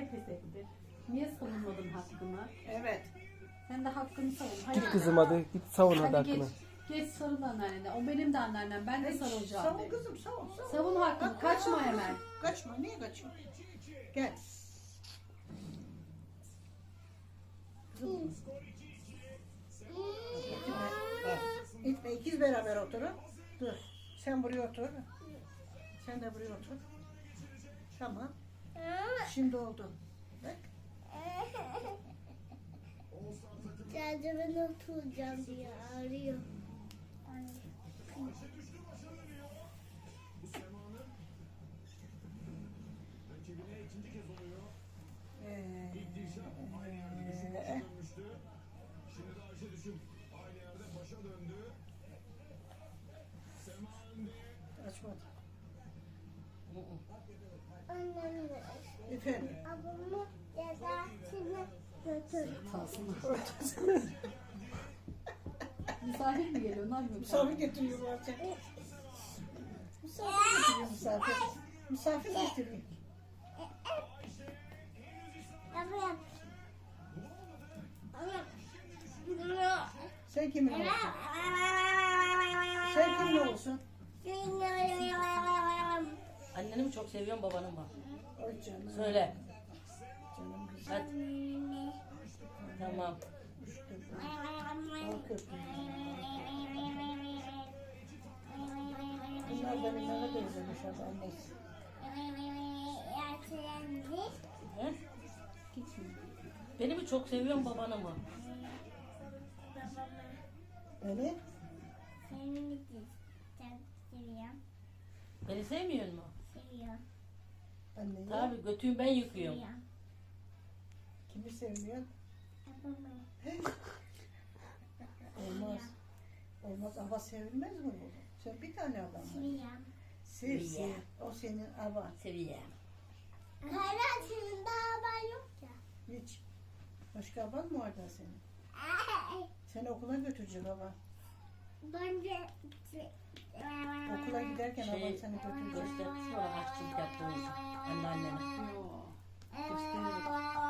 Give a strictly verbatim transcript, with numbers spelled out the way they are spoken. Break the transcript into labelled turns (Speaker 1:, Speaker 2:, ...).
Speaker 1: pes etti. Niye savunmadın hakkını?
Speaker 2: Evet.
Speaker 1: Sen de hakkını savun. Hayır.
Speaker 3: Git kızım hadi git savun hadi
Speaker 1: Hadi geç,
Speaker 3: hakkını.
Speaker 1: geç sarıl anneannene. O benim de anneannem. Ben de sarılacağım.
Speaker 2: Savun
Speaker 1: de.
Speaker 2: kızım savun savun.
Speaker 1: Savun hakkını.
Speaker 2: Bak,
Speaker 1: Kaçma
Speaker 2: bak,
Speaker 1: hemen.
Speaker 2: Kaçma niye kaçıyorsun? Gel. Kızım. İtme. Bak, İtme ikiz beraber oturun. Dur. Sen buraya otur. Sen de buraya otur. Tamam. Şimdi oldu. Bak.
Speaker 4: Sadece ben oturacağım diye arıyor.
Speaker 2: Ee, ee, Açmadı.
Speaker 4: Annem de
Speaker 2: Efendim.
Speaker 4: ablamı dedesine götür.
Speaker 1: Kalsınlar. Misafir mi geliyor? Ne yapıyor?
Speaker 2: Misafir getiriyor bazen. Misafir getiriyor misafir. Misafir getiriyor.
Speaker 4: Ablam.
Speaker 2: Sen kimin olsun? Sen kimin olsun?
Speaker 5: Anneni mi çok seviyorsun babanı mı?
Speaker 2: Ay canım.
Speaker 5: Söyle.
Speaker 2: Canım güzel.
Speaker 5: Hadi. Tamam.
Speaker 2: Al köpüğü. Bunlar da bir nana benzemiş abi annesi.
Speaker 5: He? Beni mi çok seviyorsun babanı mı?
Speaker 2: Öyle?
Speaker 5: Beni sevmiyor mu?
Speaker 2: Anneyi.
Speaker 5: Tabii götüyüm ben yıkıyorum.
Speaker 2: Kimi sevmiyor? Olmaz. Olmaz. Ava sevilmez mi bu? Sen bir tane adam var. Sev, sev. O senin ava.
Speaker 5: Seviyorum.
Speaker 4: Hala senin daha haber yok ya.
Speaker 2: Hiç. Başka aban mı var da senin? Seni okula götürecek baba.
Speaker 4: Bence
Speaker 2: Okula giderken
Speaker 5: Şey,
Speaker 2: aban seni götürecek.
Speaker 5: Göster. Sonra kaççılık yaptığımızı. Anneannene.
Speaker 1: Yok. Gösteriyor.